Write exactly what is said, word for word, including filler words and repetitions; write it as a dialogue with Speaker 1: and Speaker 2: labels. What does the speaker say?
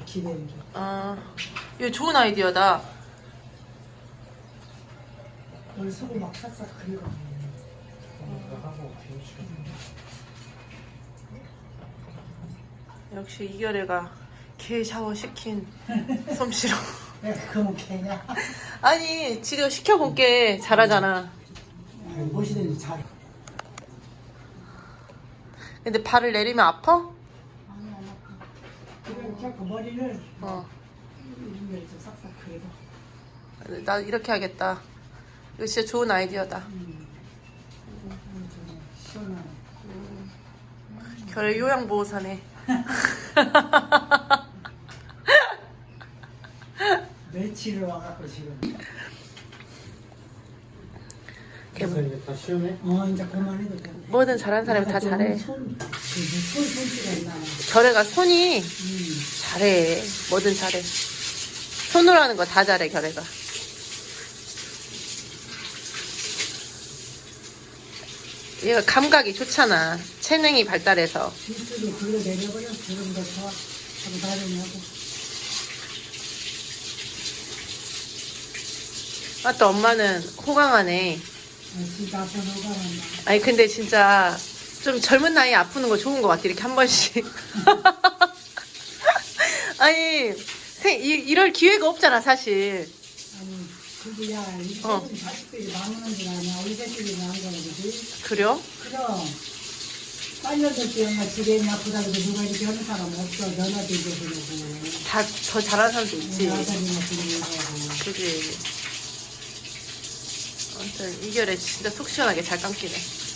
Speaker 1: 기대는 게.
Speaker 2: 아, 이거 좋은 아이디어다.
Speaker 1: 원래 속을 막 싹싹 그리고.
Speaker 2: 역시 이결애가 개 샤워 시킨 솜씨로.
Speaker 1: 내가 그거 개냐?
Speaker 2: 아니, 지금 시켜볼게. 잘하잖아.
Speaker 1: 무엇이든지 잘.
Speaker 2: 근데 발을 내리면 아파?
Speaker 1: 아니 안 아파. 그래 자꾸 머리를
Speaker 2: 어.
Speaker 1: 이렇게 좀 싹싹 그리고.
Speaker 2: 나 이렇게 하겠다. 이거 진짜 좋은 아이디어다.
Speaker 1: 음. 시원하네.
Speaker 2: 결의 요양보호사네.
Speaker 1: 며칠을 와갖고 지금.
Speaker 3: 그래서 이게 다 시원해?
Speaker 1: 어 이제 그만해도 돼.
Speaker 2: 뭐든 잘하는 사람이 다 잘해.
Speaker 1: 손, 그 손, 손질가 있나.
Speaker 2: 결애가 손이
Speaker 1: 음.
Speaker 2: 잘해. 뭐든 잘해. 손으로 하는 거 다 잘해, 결애가. 얘가 감각이 좋잖아. 체능이 발달해서.
Speaker 1: 빗속에 굴러 내려버려. 그런 거 좋아. 하고 나중하고.
Speaker 2: 아, 또 엄마는 호강하네.
Speaker 1: 진짜 아파 녹아난다.
Speaker 2: 아니, 근데 진짜 좀 젊은 나이에 아프는 거 좋은 거 같아. 이렇게 한 번씩. 아니, 세, 이, 이럴 기회가 없잖아, 사실.
Speaker 1: 아니 그게 야 이
Speaker 2: 어.
Speaker 1: 새끼 자식들이 망하는 줄 아냐. 우리 새끼들이 망한 거는 거지.
Speaker 2: 그래요?
Speaker 1: 그럼 빨려들 때 엄마 집에 있나 보다 그래도 누가 이렇게 하는 사람 없어. 너나도 이제 그러고.
Speaker 2: 다 더 잘하는 사람도 있지.
Speaker 1: 아들이나 그러고.
Speaker 2: 그지. 아무튼 이결에 진짜 속 시원하게 잘 감기네.